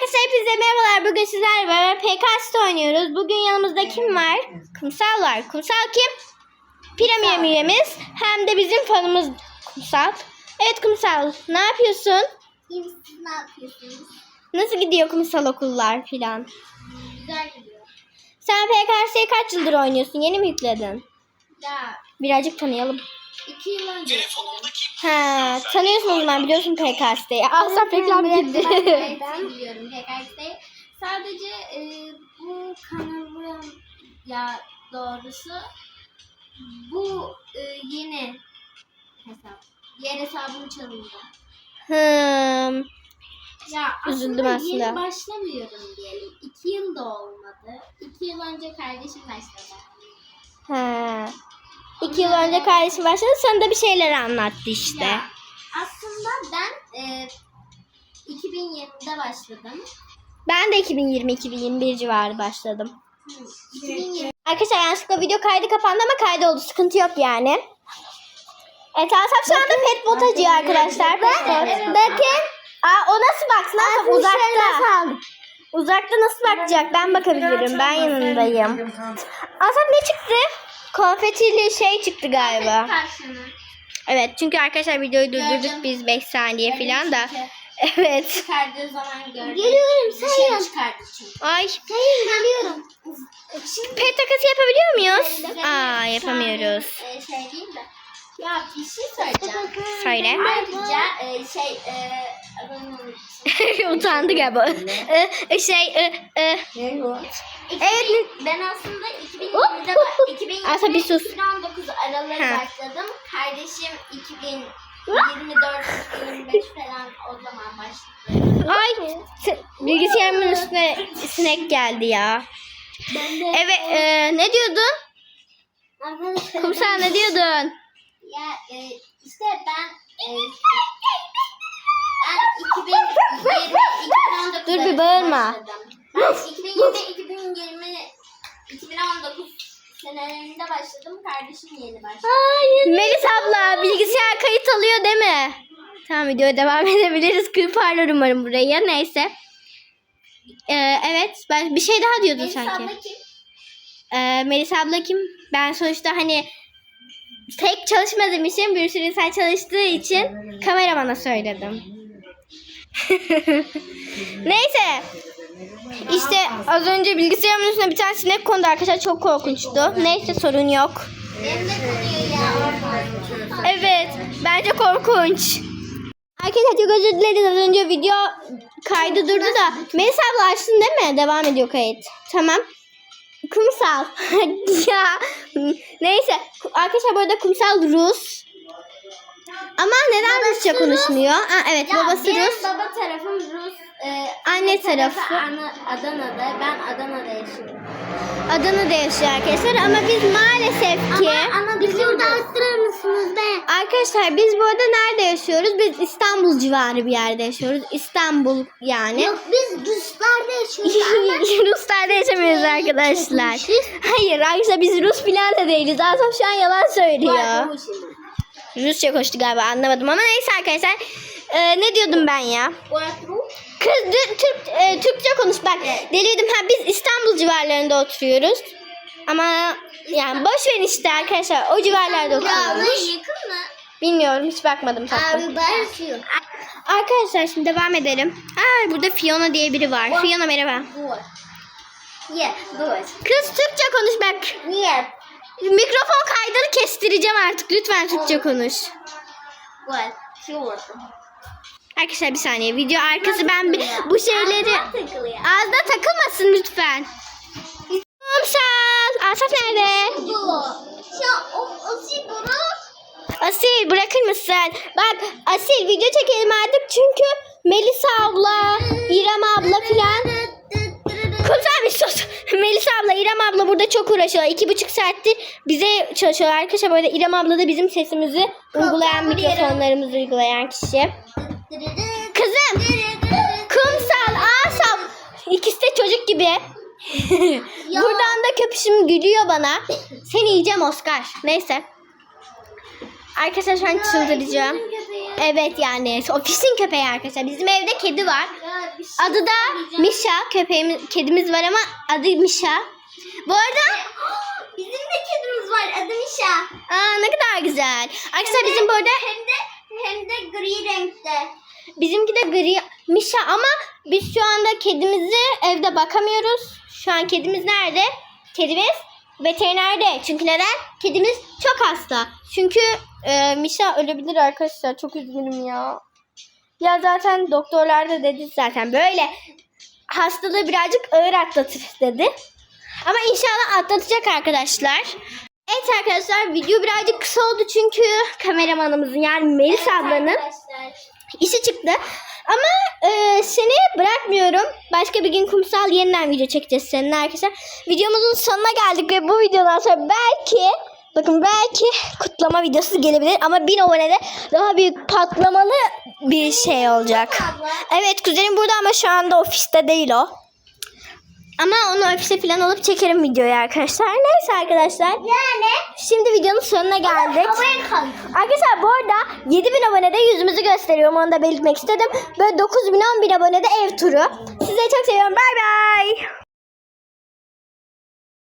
Hepinize merhabalar. Bugün sizlerle beraber PKS oynuyoruz. Bugün yanımızda kim var? Kumsal var. Kumsal kim? Premium üyemiz. Hem de bizim fanımız Kumsal. Evet Kumsal, ne yapıyorsun? İyiyim, siz ne yapıyorsunuz? Nasıl gidiyor Kumsal okullar filan? Güzel gidiyor. Sen PKS'yi kaç yıldır oynuyorsun? Yeni mi yükledin? Ya Birazcık tanıyalım. 2 yıl önce. Ha, tanıyorsun o zaman, biliyorsun PKS'yi. Asaf reklam gitti. Ben biliyorum PKX'de. Sadece bu kanalı ya doğrusu bu yeni hesap. Diğer hesabım çalındı. Ya Üzüldüm aslında. yeni başlamıyorum diyelim. 2 yıl da olmadı. 2 yıl önce kardeşim başladı. Ha. 2 yıl önce kardeşim başladı. Sana da bir şeyler anlattı işte. Ya, aslında ben 2020'de başladım. Ben de 2020-2021 civarı başladım. 2020 Arkadaşlar yanlışlıkla video kaydı kapandı ama kaydı oldu. Sıkıntı yok yani. Evet, Asaf şu anda pet bot acıyor arkadaşlar. Bakın. O nasıl baksın? Asaf uzakta. Uzakta nasıl bakacak? Ben bakabilirim. Ben yanındayım. Asaf ne çıktı? Konfetili şey çıktı galiba. karşını. Evet, çünkü arkadaşlar videoyu durdurduk Gördüm. biz 5 saniye falan da. Evet. Çıkardığı zaman gördüm. Geliyorum, Dışarı sayın. çıkardı çünkü. Ay. Geliyorum. Pet takası yapabiliyor muyuz? Yapamıyoruz. Şey değil de. Ya bir şey söyleyeceğim. Söyle. Ayrıca adamın unuttum. Utandı galiba. Evet. Ben aslında 2020'de Asa bir sus. 2019 aralığı Ha. başladım. Kardeşim 2024-2025 falan o zaman başladı. Ay. Bilgisayarımın üstüne sinek geldi ya. Evet. Ne diyordun? Kumsal ne diyordun? Ya işte ben 2020-2019 Dur bir bağırma. Ben 2020-2019 senelerinde başladım. Kardeşim yeni başladı. Melis abla bilgisayar kayıt alıyor değil mi? Tamam, videoya devam edebiliriz. Kırparlar umarım burayı. Neyse. Evet. Ben bir şey daha diyordun Melis sanki. abla kim? Melis abla kim? Ben sonuçta hani tek çalışmadığım için, bir sürü insan çalıştığı için kameramana söyledim. Neyse. İşte az önce bilgisayarımın üstüne bir tane sinek kondu arkadaşlar. Çok korkunçtu. Neyse, sorun yok. Benim de konuyor ya. Evet. Bence korkunç. Arkadaşlar çok özür dileriz. Az önce video kaydı durdu da. Melis abla açtın değil mi? Devam ediyor kayıt. Tamam. Kumsal. Ya. Neyse. Arkadaşlar bu arada Kumsal Rus. Ama neden Rusça konuşmuyor? Evet, babası benim Rus. baba tarafım Rus. Anne tarafı Adana'da. Ben Adana'da yaşıyorum. Adana'da yaşıyor arkadaşlar ama biz maalesef ki Bizi burada arttırır mısınız be? arkadaşlar biz bu arada nerede yaşıyoruz? Biz İstanbul civarı bir yerde yaşıyoruz. İstanbul yani. Yok, biz Ruslarda yaşıyoruz. Ruslarda yaşamıyoruz arkadaşlar. Hayır arkadaşlar, biz Rus falan da değiliz. Asaf şu an yalan söylüyor. Rusça konuştu galiba, anlamadım ama neyse arkadaşlar. Ne diyordum ben ya? Kız Türkçe konuş bak. Deliydim. Biz İstanbul civarlarında oturuyoruz. Ama yani boş verin işte arkadaşlar. O civarlarda oturuyoruz. Yakın mı? Bilmiyorum, hiç bakmadım tatlım. Ben Arkadaşlar şimdi devam edelim. Burada Fiona diye biri var. Fiona merhaba. Kız Türkçe konuş bak. Niye? Mikrofon kaydını kestireceğim artık. Lütfen Türkçe konuş. Arkadaşlar bir saniye. Video arkası ben bu şeyleri ağzına takılmasın lütfen. Kumsal. Asaf nerede? Asil bırakır mısın? Bak Asil, video çekelim artık çünkü Melisa abla, İrem abla filan. Kumsal bir sus. Melisa abla, İrem abla burada çok uğraşıyorlar. 2,5 saattir bize çalışıyorlar arkadaşlar. Böyle İrem abla da bizim sesimizi uygulayan, mikrofonlarımızı uygulayan kişi. Kızım. Kumsal, Asaf. İkisi de çocuk gibi. Buradan da köpüşüm gülüyor bana. Seni yiyeceğim Oscar. Neyse. Arkadaşlar şu an çıldıracağım. Evet yani ofisin köpeği arkadaşlar. Bizim evde kedi var. Ya, bir şey Adı da söyleyeceğim. Mişa. Kedimiz var ama adı Mişa. Bu arada Bizim de kedimiz var. Adı Mişa. ne kadar güzel. Arkadaşlar bizim bu arada Hem de gri renkte. bizimki de gri Mişa ama biz şu anda kedimizi evde bakamıyoruz. Şu an kedimiz nerede? Kedimiz veterinerde. Çünkü neden? Kedimiz çok hasta. Çünkü Mişa ölebilir arkadaşlar. Çok üzgünüm ya. Ya zaten doktorlar da dedi zaten böyle hastalığı birazcık ağır atlatır dedi. Ama inşallah atlatacak arkadaşlar. Evet arkadaşlar video birazcık kısa oldu çünkü kameramanımızın yani Melis ablanın Arkadaşlar. işi çıktı. Ama seni bırakmıyorum. Başka bir gün kumsal yeniden video çekeceğiz seninle arkadaşlar. Videomuzun sonuna geldik ve bu videodan sonra belki kutlama videosu gelebilir. Ama 1000 abonede daha büyük patlamalı bir şey olacak. Abla. Evet kuzenim burada ama şu anda ofiste değil o. Ama onu ofise falan alıp çekerim videoyu arkadaşlar. Neyse arkadaşlar. Yani. Şimdi videonun sonuna geldik. Havaya kalk. Arkadaşlar bu arada 7000 abonede yüzümüzü gösteriyorum. Onu da belirtmek istedim. Böyle 9000 10.000 abonede ev turu. Sizi çok seviyorum. Bay bay.